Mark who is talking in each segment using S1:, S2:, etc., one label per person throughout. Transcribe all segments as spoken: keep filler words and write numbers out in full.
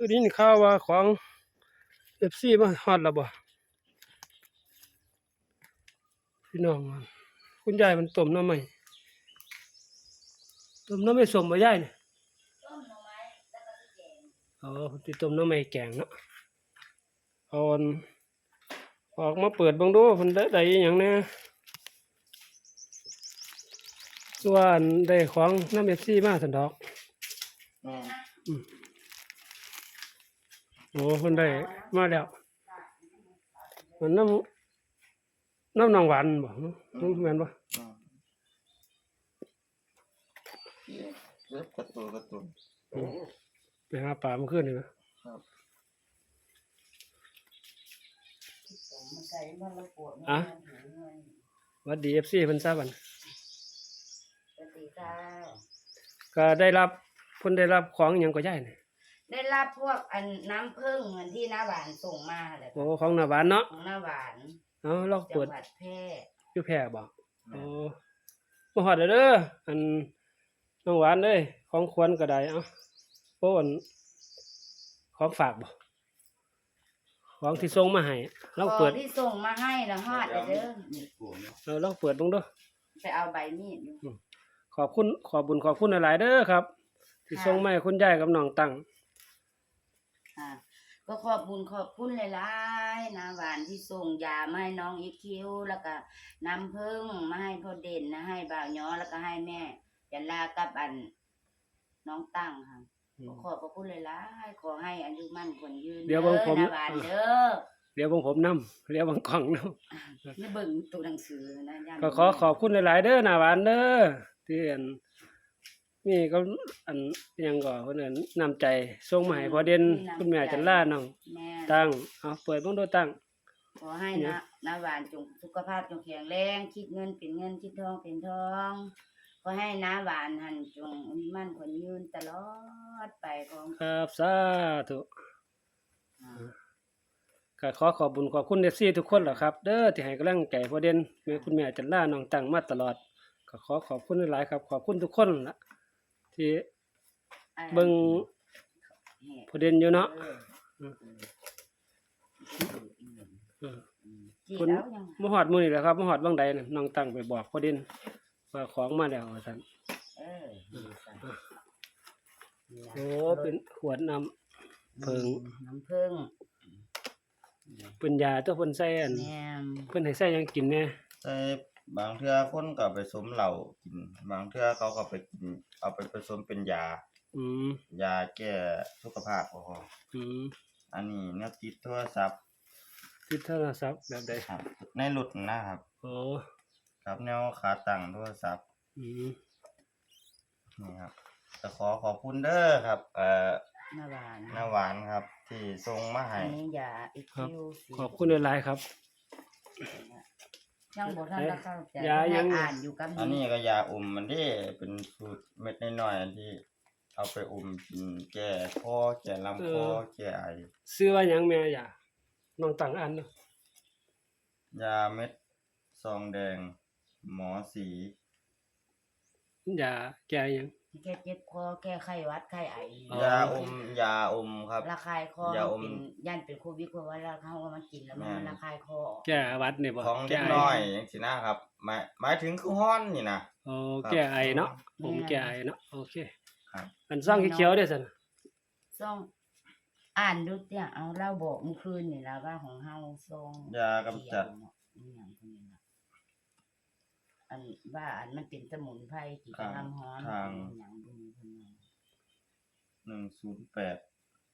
S1: ได้ยินข่าวว่าของ เอฟ ซี มาฮอดแล้วบ่พี่น้องคุณยายมันต้มหน่อไม้ต้มหน่อไม้ส้มบ่ยายนี่
S2: ต้มหน่อไม้แล้วก็สิแกง
S1: อ๋อสิต้มหน่อไม้แกงเนาะเอาอันออกมาเปิดเบิ่งดูเพิ่นได้ได้อิหยังแหน่ส่วนได้ของนำ เอฟ ซี มาซั่นดอก
S3: อืม
S1: อืมโอ้เพิ่นได้มาแล้วมันน้ำน้ำนางหวานบ่น้ำแม่นบ่
S3: อืมเล็บกระตุนกระตุน
S1: ไปหาปลาเมื่อคืนนี่นะครับ
S2: มันใส่มันละปวดมัน
S1: อ่ะ
S2: หิวเงิน
S1: หวัดดี เอฟ ซี เพิ่นทราบบัด
S2: สวัสดีค่ะ
S1: ก็ได้รับเพิ่นได้รับของหยังก็ย้ายนี่
S2: ได้รับพวกอันน้ำผึ้งเงินที่น้าหวานส่งมาแหละ
S1: โอ้ของหน้าบ้านเนาะ
S2: ของน้าหวาน
S1: เอ้าเรา
S2: จั
S1: เปิ
S2: ง
S1: ด
S2: หวัดแพร่
S1: อยู่แพร่บ่โอ้บ่ฮอดแล้วเด้ออันน้องหวานเอ้ยของขวัญก็ได้เอ้าโอ้อันของฝากบ่ของที่ส่งมาให้ลอง
S2: ข
S1: เปิ
S2: อ
S1: ด
S2: ที่ส่งมาให้ละฮอดเลยเด้อ
S1: เออลองเปิดเบิ่งเด้อ
S2: ไปเอาใบมีดดู
S1: ขอบคุณขอบบุญขอบคุณหลายๆเด้อครับ ที่ส่งมาให้คุณยายกับน้องตั้ง
S2: ค่ะก็ขอบบุญขอบคุณหลายๆน้าหวานที่ส่งยามาให้น้องอีคิวแล้วก็น้ำผึ้งมาให้พ่อเด่นนะให้บ่าวย้อแล้วก็ให้แม่จันลากับอันน้องตั้งค่ะ ขอบพระคุณหลายๆขอให้อายุมั่นขวัญยืน
S1: เดี๋ยวเบิ่งผม
S2: ด้อนะหวานเด้อ
S1: เดี๋ยวเบิ่งผมนำเดี๋ยวเบิ่งกล้องนำ
S2: นี่เบิ่งตัวหนังสือนะย่าน
S1: ก็ขอขอบคุณหลายๆเด้อหน้าหวานเด้อที่อันนี่ก็อันอิหยังก็เพิ่นเอิ้นน้ำใจส่งมาให้พ่อเด่นคุณแม่จันลาน้อง
S2: แม่
S1: ตั้งเอาเปิดเบิ่งดูตั้ง
S2: ขอให้นะนะหวานจงสุขภาพจงแข็งแรงคิดเงินเป็นเงินคิดทองเป็นทองขอให้น้าหวานหันจงอายุมั่นขวัญยืนตลอดไปของ
S1: ครับสาธุ
S2: อ่า
S1: ก็ขอขอบบุญขอบคุณ เอฟ ซี ทุกคนแหละครับ เด้อที่ให้กำลังใจพ่อเด่นแม่คุณแม่จันลาน้องตั้งมาตลอดก็ขอขอบคุณหลายๆครับ ขอบคุณทุกคนล่ะที่เบิ่งพ่อเด่นอยู่เนาะ
S2: เออ
S1: อืม เออ
S2: จี
S1: คุณ
S2: แล้วยัง
S1: มาฮอดมื้อนี้แหละครับมาฮอดบางใดน่ะน้องตั้งไปบอกพ่อเด่นว่าของมาแล้วว่าซั่น
S2: เออนี่จ้ะ
S1: โอ้เป็นขวดน้ำเพิง
S2: น้ำผึ้ง
S1: เป็นยาตัวเพิ่นใส่อัน
S2: แม่ม
S1: เพิ่นให้ใส่หยังกินแหน่
S3: แต่บางเทื่อคนก็ไปสมเหล้ากิน บางเทื่อเขาก็ไปกิน เอาไปผสมเป็นยา
S1: อืม
S3: ยาแก้สุขภาพบ่พอ
S1: อืม
S3: อันนี้แนวติดโทรศัพท์
S1: ติดโทรศัพท์แบบใด
S3: ครับในรถนะครับ
S1: โอ้
S3: กับแนวขาตั้งโทรศัพท์
S1: อืม
S3: นี่ครับก็ขอขอบคุณเด้อครับ เอ่อ
S2: น้าหวาน
S3: น้าหวานครับ ที่ส่งมาให้
S2: อันนี้ยาอี
S1: ครับ
S2: คิวสี
S1: ขอบคุณหลายๆครับ
S2: ยังบ่ทันได้เข้าใจ
S1: ยายัง
S2: อ่านอยู่กับ
S3: อันนี้ก็ยาอมมันที่เป็นสูตรเม็ดน้อยๆอันที่เอาไปอมกินแก้คอแก้ลำคอแก้ไอ
S1: ซื้อว่าหยังแม่ยาน้องตั้งอันเนาะ
S3: ยาเม็ดซองแดง หมอสี
S1: ยาแก้หยัง
S2: แก้เจ็บคอแก้ไข้หวัดไข้ไอ
S1: อ๋อ
S3: ยาอม ยาอมครับ
S2: ระคายคอย
S3: าอม
S2: เป็นย่านเป็นโควิดเพราะว่าเราเขาเอามากินแล้วมัน
S3: แม่น
S2: ระคายคอ
S1: แก้หวัดนี่บ่
S3: ของ
S1: แก้
S3: เล็ก
S1: ไอ
S3: น้อยจังซี่นะครับ หมายหมายถึงคือฮ้อนนี่นะ
S1: โอ้
S3: ครับ
S1: แก้ไอเนาะผมแก้ไอเนาะโอเค
S3: ครับ
S1: อันซ่องเขียวๆเด้อซั่น
S2: ซ่องอ่านดูเนี่ยเอาเล่าบอกเมื่อคืนนี่แล้วว่าของเฮาซ่อง
S3: ยากำจัด
S2: เขียวเนาะอีหยังพวกนี้นะอันว่าอันมันเป็นสมุนไพรที่กำลังฮ้อน
S3: ทาง
S2: อหย่างพวกนี้พวกนี้
S3: หนึ่งศูนย์แปด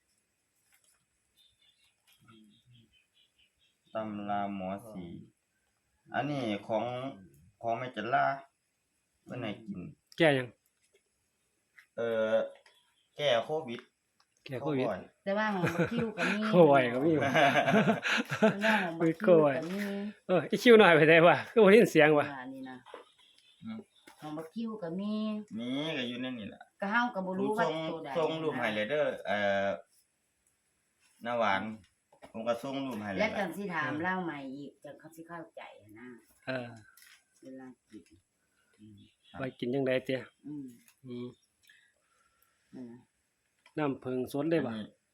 S3: ตำราหมอสี อันนี้ของของแม่จันลาเพิ่นให้กิน
S1: แก้หยัง
S3: เอ่อแก้โควิด
S1: แก้โควิด
S3: บ่อย
S2: แต่ว่าของบักคิวก็มี
S1: โควิดก็มีอยู่
S2: แต่ว่าของบักคิวก็มี
S1: เอออีคิวหน่อยไปได้ว่ะคือบ่ได้ยินเสียงว่ะ
S2: ว่านี่นะ
S3: อืม
S2: ของบักคิวก็มี
S3: มีก็อยู่ในนี่แหละ
S2: ก็เฮาก็บ่
S3: ผม
S2: รู้ว่า
S3: ส่ง
S2: ตัวใด
S3: ส่งรูปให้เลยเด้อเอ่อหน้าหวาน ผมก็ส่งรูปให้เลย
S2: และจังสิถามเล่าใหม่อีกจังเขาสิเข้าใจนะ
S1: เออ
S2: เวลากินอืม
S1: ไว้กินจังได๋เตี้ย
S2: อืม
S1: อืม
S2: นั่นนะ
S1: น้ำผึ้งสดเลยบ่
S3: อันนี้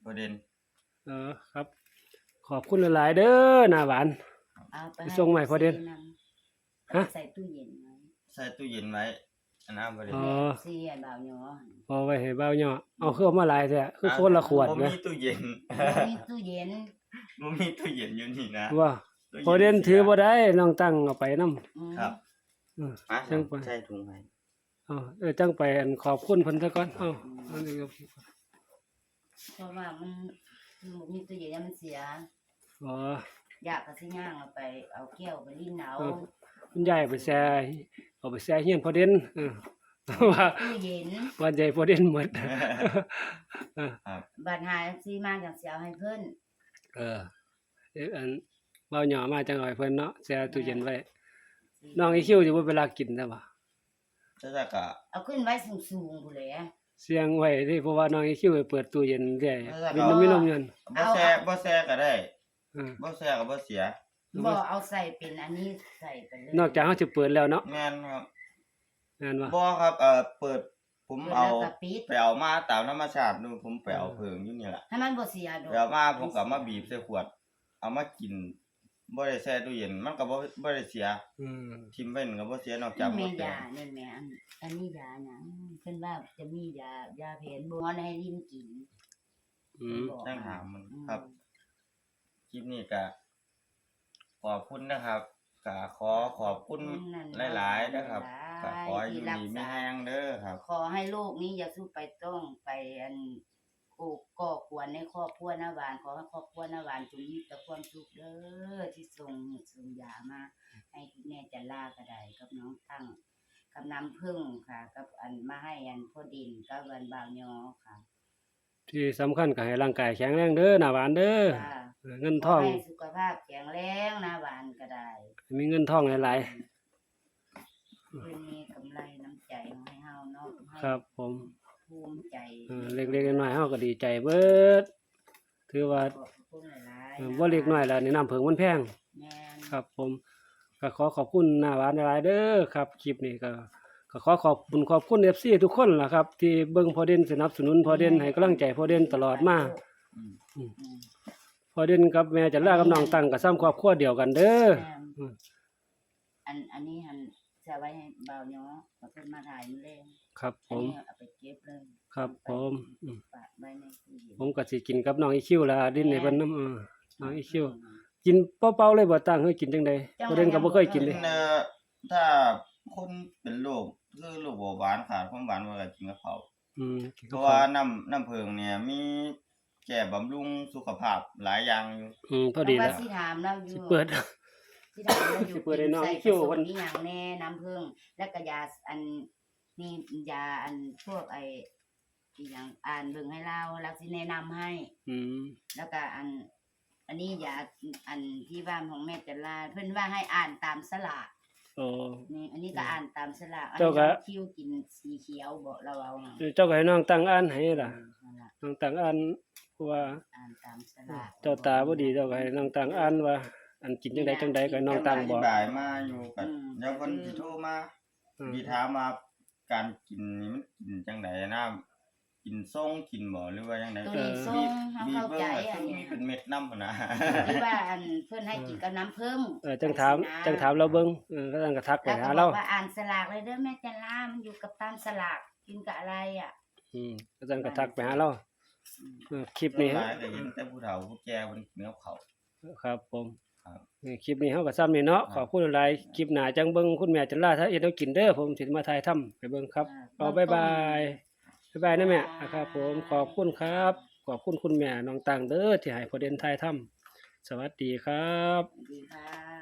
S3: ประเด็น
S1: เออครับ ขอบคุณหลายๆเด้อหน้าหวาน
S2: เอาไป
S1: ไปส่งใหม่พอเด่น
S2: ฮะ
S1: ฮะ
S2: ใส่ตู้เย็นไว้
S3: ใส่ตู้เย็นไว้อันนั้นประเด็น
S1: อ๋อ
S2: ซีไอ้บ่าวหยอ
S1: เอาไว้ให้เบาย่อเอาคือเอามาหลายแท้คือคนละขวด
S3: บ่
S1: แหม
S3: มีตู้เย็น
S2: มีตู้เย็น
S3: บ่มีตู้เย็นอยู่นี่นะ
S1: ว่า
S3: ตู้ย็
S1: พอเด่นถือบ่ได้น้องตั้งเอาไปนำ
S2: อืม
S3: ครับ
S1: อือ
S3: อ่ะ
S1: จังไป
S3: ใส่ถุงให้
S1: เอาเออจังไปอันขอบคุณเพิ่นซะก่อนเอาอันนี้ก็
S2: เพราะว่ามันมันมีตู้เย็นแล้วมันเสีย
S1: อ๋อ
S2: อยากก็สิย่างเอาไปเอาแก้วไปลิ้นเอา
S1: เออ คุณยายเอาไปแช่เอาไปแช่เฮียนพอเด่นเออว่า
S2: ตู้เย็น
S1: ว่าใหญ่พอเด่นหมด เออ
S2: บัดหาซีมาจังสิเอาให้เพิ่น
S1: เออเอ๊ะอันเบาหย่อมาจังเอาให้เพิ่นเนาะแช่ตู้เย็นไว้ น้องอีคิวสิบ่เวลากินได้บ่
S3: แต่ถ้าก็
S2: เอาขึ้นไว้สูงๆพุ่นแหละ
S1: เสียงไว้ที่เพราะว่าน้องอีคิวไปเปิดตู้เย็นเรื่อย
S3: เออ
S1: มีนมมีนมเงิน
S3: บ่แซ่บ่แซ่ก็ได้
S1: เออ
S3: บ่แซ่ก็บ่เสีย
S2: บ่เอาใส่เป็นอันนี้ใส่ไปเลย
S1: นอกจากเฮาสิเปิดแล้วเนาะ
S3: แม่นครับ
S1: แม่นบ่
S3: บ่ครับเอ่อเปิดผม
S2: เปิด
S3: เอา
S2: แล้วก็ปิด
S3: ไปเอามาตามธรรมชาตินู่นผมไปเอาเพิงอยู่นี่ล่ะ
S2: ให้มันบ่เสียดอก
S3: ไปเอามาผมก็เอามาบีบใส่ขวด เอามากินบ่ได้แช่ตู้เย็นมันก็บ่บ่ได้เสีย
S1: อืม
S3: ทิ่มไว้มันก็บ่เสียนอกจาก
S2: นี่
S3: บ่
S2: แม่
S3: แต
S2: ยาก นี่แม่อันอันนี้ยาหยังเพิ่นว่าจะมียายาแผนโบราณให้ลิ้นกิน
S1: อืม
S2: บอก
S3: ตั้งหามัน
S2: อืม
S3: ครับคลิปนี้ก็ขอบคุณนะครับก็ขอขอบคุณหลายๆนะครับก็ขอให้อยู่ดีมีแรงเด้อครับ
S2: ขอให้โลกนี้อย่าสู้ไปต้องไปอันโอ้ก่อกวนในครอบครัวนาหวานขอให้ครอบครัวนาหวานจงมีแต่ความสุขเด้อที่ส่งส่งยามา ให้คุณแม่จันลาก็ได้กับน้องตั้งกับน้ำผึ้งค่ะ กับอันมาให้อันพ่อดินกับวันบ่าวยอค่ะ
S1: ที่สำคัญก็ให้ร่างกายแข็งแรงเด้อหน้าหวานเด้อ
S2: ค่ะ
S1: เออเงิน
S2: ข
S1: ท
S2: อ
S1: อง
S2: ให้สุขภาพแข็งแรงนาหวานก็ได้
S1: มีเงินทองหลาย
S2: เพื่อมีกำไรน้ำใจให้เฮาเนาะให้
S1: ๆครับ ผม
S2: ภูมิใจ
S1: เออเล็กๆน้อยๆเฮาก็ดีใจเบิดถือว่า
S2: ขอบคุณหลาย
S1: เออ
S2: ๆ
S1: บ่เล็กน้อยแล้วนี่น้ำเพิงมันแพง
S2: แม่น
S1: ครับ ผมก็ขอขอบคุณหน้าหวานหลายๆเด้อครับคลิปนี้ก็ก็ขอขอบคุณขอบคุณ เอฟ ซี ทุกคนล่ะครับ ที่เบิ่งพอเด่นสนับสนุนพอเด่นให้กำลังใจพอเด่นตลอดมา
S3: อืม
S2: อืม
S1: พอเด่นกับแม่จันลากับน้องตั้งก็ซ้ำครอบครัวเดียวกันเด้อ
S2: แม่น
S1: อืม
S2: อันอันนี้หันจะไว้ให้บ่าวยอเขาเพิ่นมาถ่ายมื้อแลง
S1: ครับผ
S2: อัน
S1: ม
S2: นี้เอาไปเก็บเลย
S1: ครับผมอืม
S2: ฝากไว้ในตู้เย็น
S1: ผมก็สิกินกับน้องอีคิวล่ะดินในเพิ่นน้ำเออน้องอีคิวกินเปล่าๆเลยบ่ตั้งเฮ้ยกินจังได๋พอเด่นก็บ่เคยกินเลย
S3: เอ่อถ้าคนเป็นโรคคือโรคเบาหวานขาดความหวานว่าก็กินกับข้าว
S1: อืมกิน
S3: เพ
S1: กับ
S3: ราะ
S1: ข้า
S3: ว่าว น้ำน้ำเพิงเนี่ยมีแก้บำรุงสุขภาพหลายอย่างอยู่
S1: อืมพอดี
S2: เพราะ
S1: แล้ว
S2: ว่าสิถามเราอยู่
S1: สิเปิด
S2: ที่ถามเราอยู่
S1: สิเปิดให้น้อง
S2: ใส่
S1: คิ้ว
S2: ผสม
S1: เพิ่น
S2: อีหยังแน่น้ำผึ้งแล้วก็ยาอันนี่ยาอันพวกไอ้อีหยังอ่านเบิ่งให้เราแล้วสิแนะนำให้
S1: อืม
S2: แล้วก็อัน อันนี้ยาอันที่บ้านของแม่จันลาเพิ่นว่าให้อ่านตามสลาก
S1: โอ้
S2: นี่อันนี้ก็อ่านตามสลากอัน
S1: เจ้า
S2: นี้
S1: ก็
S2: น้องคิ้วกินสีเขียวบอกเราเอาน่ะ
S1: เจ้าก็ให้น้องตั้งอ่านให้ล่ะ
S2: นั่นล่ะ
S1: น้องตั้งอ่านเพราะว่า
S2: อ่านตามสลาก
S1: เจ้าตาบ่ดีเจ้าก็ให้น้องตั้งอ่านว่า อันกินจังไดจังใดก็ให้น้องตั้ง
S3: อ
S1: บ่
S3: ธิบายมาอยู่กับเดี๋ยวเพิ่นสิโทรมา
S1: อืม
S3: สิถามว่าการกินนี่มันกินจังไดนะกินส่งกินบ่หรือว่าจังได
S2: ตัวนี้ส้มเฮา
S3: มี
S2: เข้า
S3: เบิ่ง
S2: ใจ
S3: ว่า
S2: อัน
S3: มี
S2: นี้
S3: เป็นเม็ดน้ำหั่นนะ
S2: ที่ว่าอันเพิ่นให้กินกับน้ำผึ้ง
S1: เออจังถามจังถามเราเบิ่งเออก็ตั้งก็ทักไป
S2: แล้ว
S1: หา
S2: ก็บ
S1: เรา
S2: อกว่าอ่านสลากเลยเด้อแม่จันลามันอยู่กับตามสลากกินกับอะไรอ่ะ
S1: อืมก็ตั้งก็ทักไปหาเรา
S2: อืม
S1: เออคลิปนี้
S3: หลายก็เห็นแต่ผู้เฒ่าผู้แก่เพิ่นกินกับข้าว
S1: ครับผม
S3: ครับ
S1: นี่คลิปนี้เฮาก็ซ้ำนี่เนาะ
S3: ครับ
S1: ขอบคุณหลายคลิปหน้าจังเบิ่งคุณแม่จันลาถ้าเอ็ดเอากินเด้อผมสิมาถ่ายทำให้เบิ่งครับ เอาบ๊ายบายบ๊ายบายนะแม่ครับผมขอบคุณครับ ขอบคุณคุณแม่น้องตังเด้อที่ให้พอเด่นถ่ายทำสวัสดีครับ
S2: ดีค่ะ